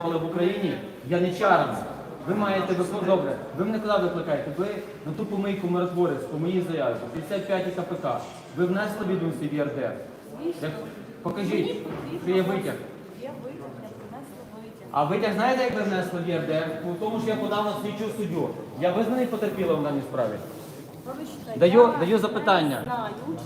в Україні яничарами. Ви маєте добре. Ви мене куди викликаєте? Ви на ту помийку миротворець по моїй заяві, 55 КПК. Ви внесли відомості в ЄРДР? Покажіть, що є витяг. А витяг знаєте, як ви внесли в ЄРДР? У тому, що я подав на слідчу суддю. Я визнаний потерпілим в даній справі? Даю запитання.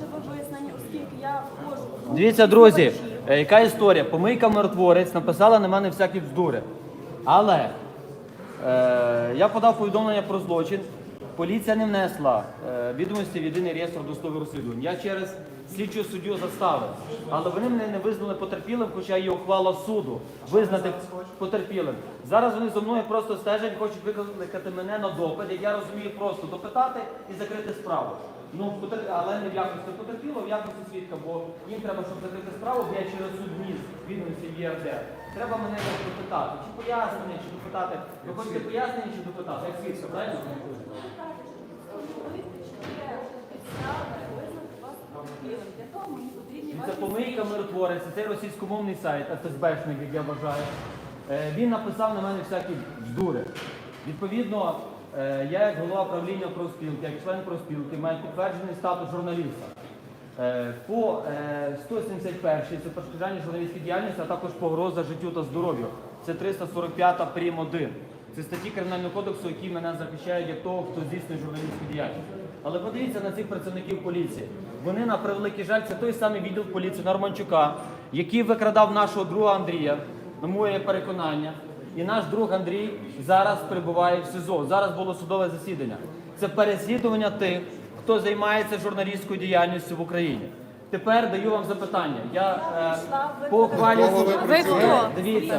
Дивіться, друзі, яка історія? Помийка миротворець написала на мене всякі бздури. Але я подав повідомлення про злочин. Поліція не внесла відомості в єдиний реєстр досудових розслідувань. Я через слідчу суддю заставив. Але вони мене не визнали потерпілим, хоча є ухвала суду визнати потерпілим. Зараз вони зі мною просто стежать, хочуть викликати мене на допит, як я розумію, просто допитати і закрити справу. Ну, але не в якості потерпілого, в якості свідка, бо їм треба, щоб закрити справу, бо я через суд вніс відомості в ЄРДР. Треба мене допитати. Чи пояснення, чи допитати. Ви хочете пояснення, чи допитати? Як свідка, правильно? Це помийка миротворець, це російськомовний сайт, ФСБшник, як я вважаю. Він написав на мене всякі бздури. Відповідно, я як голова правління профспілки, як член профспілки, маю підтверджений статус журналіста. По 171-й це перешкоджання журналістській діяльності, а також погроза життю та здоров'ю. Це 345 прим. 1. Це статті Кримінального кодексу, які мене захищають як того, хто здійснює журналістську діяльність. Але подивіться на цих працівників поліції. Вони, на превеликий жаль, це той самий відділ поліції Норманчука, який викрадав нашого друга Андрія, на моє переконання. І наш друг Андрій зараз перебуває в СІЗО. Зараз було судове засідання. Це переслідування тих, хто займається журналістською діяльністю в Україні. Тепер даю вам запитання. Я по ухвалі... Ви хто? Дивіться.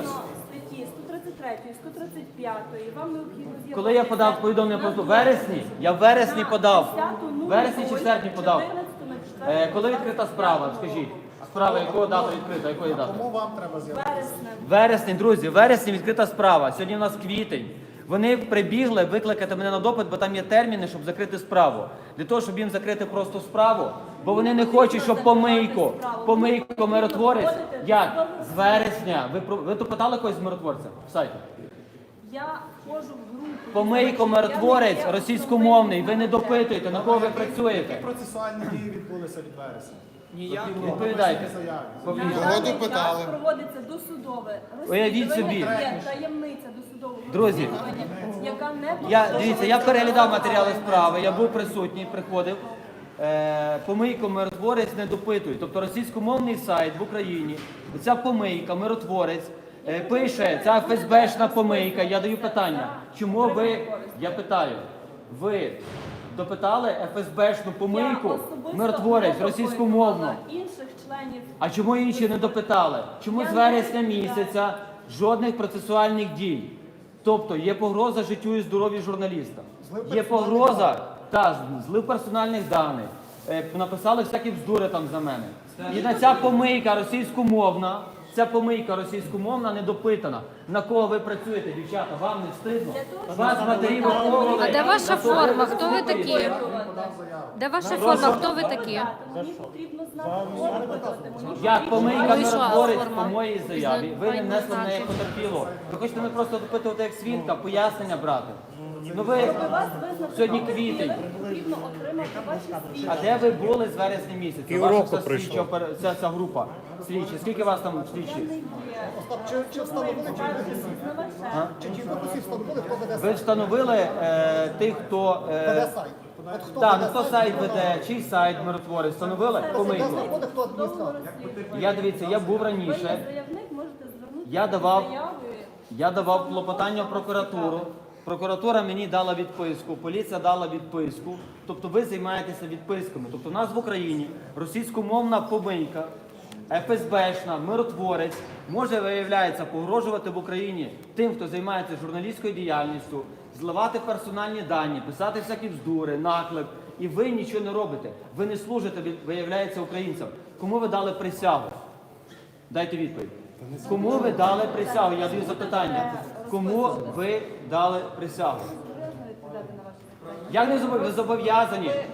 133, 135, вам необхідно з'явитися. Коли я подав повідомлення про вересні, я в вересні подав. В вересні чи в серпні подав. Коли відкрита справа, скажіть? Справа якого дата відкрита, якої дати? Кому вам треба з'явитися? Вересні, друзі, в вересні відкрита справа. Сьогодні у нас квітень. Вони прибігли викликати мене на допит, бо там є терміни, щоб закрити справу. Для того, щоб їм закрити просто справу, бо вони не хочуть, щоб помийку миротворець. Як? З вересня. Ви допитали когось з миротворця в сайті? Я входжу в групу. Помийко миротворець російськомовний. Ви не допитуєте, на кого ви працюєте. Які процесуальні дії відбулися від вересня? Відповідайте. Кого допитали? Проводиться досудове Уявіть собі. Є таємниця досудового Друзі, яка не дивіться, я переглядав матеріали справи, я був присутній, приходив. Помийко миротворець не допитують. Тобто російськомовний сайт в Україні, ця помийка, миротворець, пише, ця ФСБшна помийка. Я даю питання, чому ви, я питаю, ви допитали ФСБшну помийку, миротворець, російськомовну? Інших членів. А чому інші не допитали? Чому з вересня місяця жодних процесуальних дій? Тобто є погроза життю і здоров'ю журналіста. Є погроза, злив персональних даних. Написали всякі бздури там за мене. І на ця помийка російськомовна не допитана. На кого ви працюєте, дівчата? Вам не встидно? Вас матері виховували. А де ваша форма? Хто ви такі? Де ваша форма? Хто ви такі? Мені потрібно знати. Як помийка миротворець по моїй заяві, ви не внесли в неї потерпіло. Ви хочете мене просто допитувати як свідка, пояснення брати. Ну ви сьогодні квітень. Потрібно отримати ваші свідчення. А де ви були з вересня місяця? Ваша ця група слідчі. Скільки вас там слідчі? Чи встановили, чи ті дописи встановили, хто веде Ви сайт? встановили тих, хто... Веде сайт. От хто Так, веде хто сайт веде, чий сайт миротворець, встановили помийку. знаходить, хто адміністратор. Я був раніше, Заявник можете звернутися я з заявою. давав клопотання в прокуратуру. Прокуратура мені дала відписку, поліція дала відписку. Тобто ви займаєтеся відписками. Тобто у нас в Україні російськомовна помийка, ФСБшна, миротворець може, виявляється, погрожувати в Україні тим, хто займається журналістською діяльністю, зливати персональні дані, писати всякі бздури, наклеп. І ви нічого не робите. Ви не служите, виявляється, українцям. Кому ви дали присягу? Дайте відповідь. Кому ви дали присягу? Я даю запитання. Кому ви дали присягу? Як не ви зобов'язані?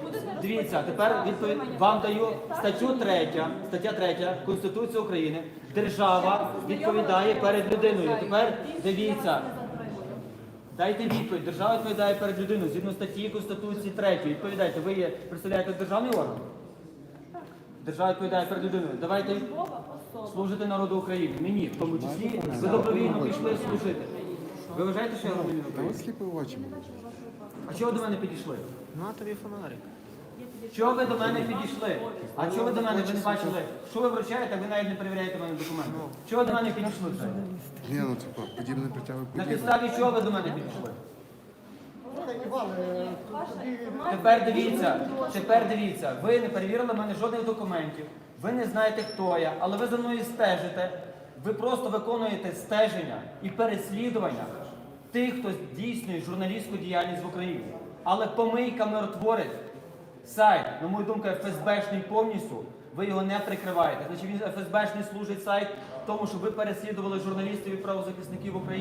Дивіться, тепер вам даю стаття 3 Конституції України. Держава відповідає перед людиною. Тепер дивіться. Дайте відповідь. Держава відповідає перед людиною. Згідно статті Конституції 3. Відповідайте. Ви представляєте державний орган? Держава відповідає перед людиною. Давайте служити народу України. Мені, в тому числі, ви добровільно пішли служити. Ви вважаєте, що я громадянин України? Сліпи очі. А чого ви до мене підійшли? На тобі фонарик. Чого ви до мене підійшли? А чого ви до мене, ви не бачили? Що ви вручаєте, ви навіть не перевіряєте мене документи. Чого ви до мене підійшли вже? Ні, ну типа, подібне притягує На подібне. підставі чого ви до мене підійшли? Іван, тоді Тепер дивіться, ви не перевірили в мене жодних документів, ви не знаєте, хто я, але ви за мною стежите, ви просто виконуєте стеження і переслідування тих, хто здійснює журналістську діяльність в Україні. Але помийка миротворець, сайт, на мою думку, ФСБшний повністю, ви його не прикриваєте. Значить, він ФСБшний служить сайт тому, щоб ви переслідували журналістів і правозахисників України.